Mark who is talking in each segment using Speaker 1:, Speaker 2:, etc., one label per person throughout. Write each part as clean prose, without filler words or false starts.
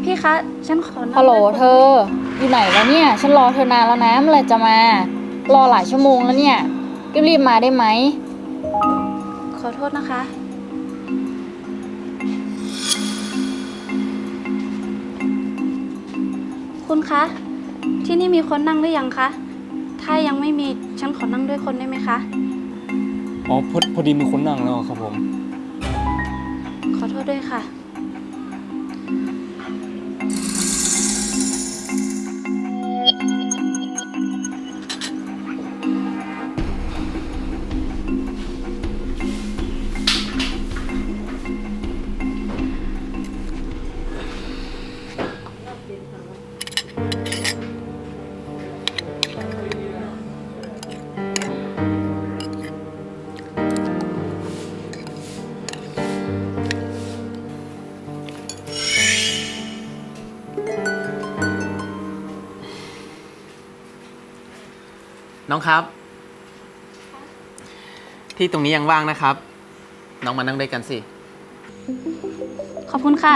Speaker 1: พี่คะฉันขอนั่ง
Speaker 2: ฮัลโหล
Speaker 1: ด้วยคน
Speaker 2: เธอ อยู่ไหนแล้วเนี่ย ฉันรอเธอนานแล้วนะเมื่อไหร่จะมา รอหลายชั่วโมงแล้วเนี่ยรีบๆมาได้ไหม
Speaker 1: ขอโทษนะคะ คุณคะ ที่นี่มีคนนั่งหรือยังคะ ถ้ายังไม่มีฉันขอนั่งด้วยคนได้ไหมคะ
Speaker 3: อ๋อพอดีมีคนนั่งแล้วครับผม
Speaker 1: ขอโทษด้วยค่ะ
Speaker 4: น้องครับ ที่ตรงนี้ยังว่างนะครับ น้องมานั่งด้วยกันสิ
Speaker 1: ขอบคุณค่ะ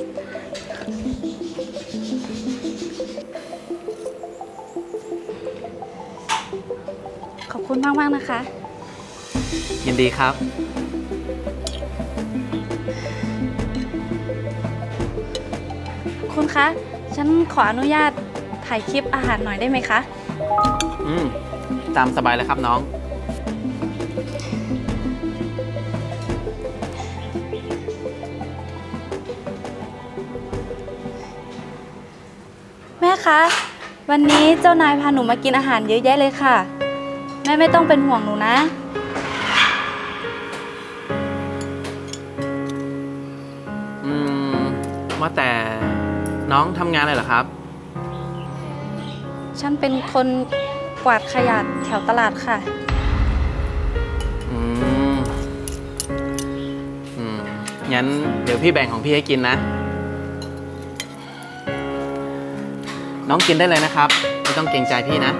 Speaker 1: ขอบคุณมากๆนะคะ
Speaker 4: ยินดีครับ
Speaker 1: คุณคะ ฉันขออนุญาตถ่ายคลิปอาหารหน่อยได้ไหมคะ
Speaker 4: ตามสบายเลยครับน้อง
Speaker 1: แม่คะ วันนี้เจ้านายพาหนูมากินอาหารเยอะแยะเลยค่ะ แม่ไม่ต้องเป็นห่วงหนูนะ
Speaker 4: ว่าแต่น้องทำงานอะไรเหรอครับ
Speaker 1: ฉันเป็นคนกวาดขยะแถวตลาดค่ะ
Speaker 4: อืม งั้นเดี๋ยวพี่แบ่งของพี่ให้กินนะ น้องกินได้เลยนะครับ ไม่ต้องเกรงใจพี่นะ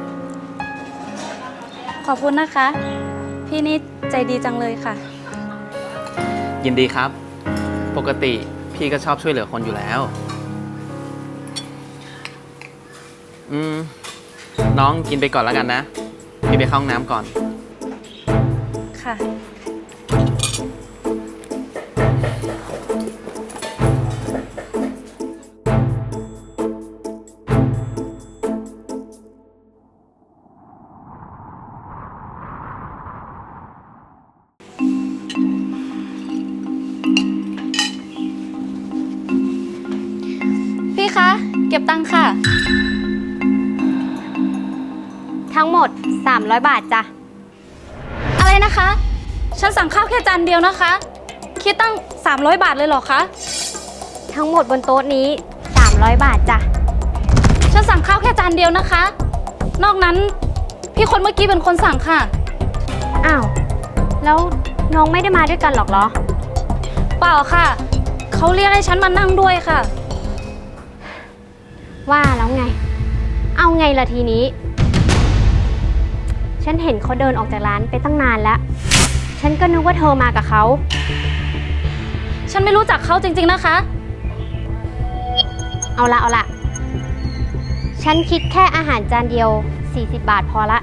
Speaker 1: ขอบคุณนะคะ พี่นี่ใจดีจังเลยค่ะ
Speaker 4: ยินดีครับ ปกติพี่ก็ชอบช่วยเหลือคนอยู่แล้ว น้องกินไปก่อนแล้วกันนะ พี่ไปเข้าห้องน้ำก่อน
Speaker 1: ค่ะ พี่คะ เก็บตังค่ะ
Speaker 5: ทั้งหมด 300 บาทจ้ะ
Speaker 1: อะไรนะคะ ฉันสั่งข้าวแค่จานเดียวนะคะ คิดตั้ง 300 บาทเลยเหรอคะ
Speaker 5: ทั้งหมดบนโต๊ะนี้ 300 บาทจ้ะ
Speaker 1: ฉันสั่งข้าวแค่จานเดียวนะคะ นอกนั้นพี่คนเมื่อกี้เป็นคนสั่งค่ะ
Speaker 5: อ้าว แล้วน้องไม่ได้มาด้วยกันหรอกเหรอ
Speaker 1: เปล่าค่ะ เขาเรียกให้ฉันมานั่งด้วยค่ะ
Speaker 5: ว่าแล้วไง เอาไงล่ะทีนี้ ฉันเห็นเขาเดินออกจากร้านไปตั้งนานแล้ว ฉันก็นึกว่าเธอมากับเขา
Speaker 1: ฉันไม่รู้จักเขาจริงๆนะคะ
Speaker 5: เอาละ ฉันคิดแค่อาหารจานเดียว 40 บาทพอละ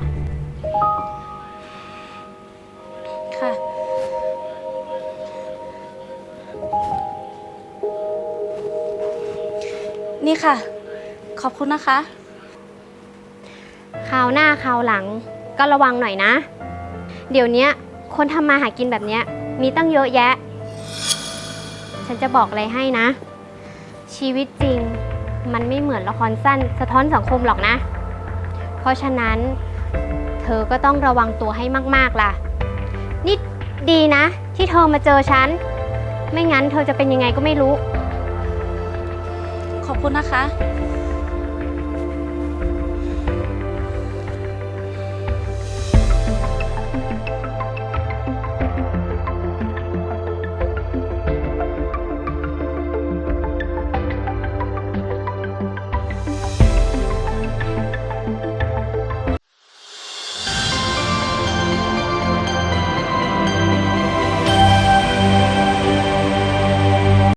Speaker 1: ค่ะ นี่ค่ะ ขอบคุณนะคะ
Speaker 5: คราวหน้าคราวหลังก็ระวังหน่อยนะ เดี๋ยวนี้คนทำมาหากินแบบเนี้ยมีตั้งเยอะแยะ ฉันจะบอกอะไรให้นะ ชีวิตจริงมันไม่เหมือนละครสั้นสะท้อนสังคมหรอกนะ เพราะฉะนั้นเธอก็ต้องระวังตัวให้มากๆล่ะ นี่ดีนะที่เธอมาเจอฉัน ไม่งั้นเธอจะเป็นยังไงก็ไม่รู้
Speaker 1: ขอบคุณนะคะ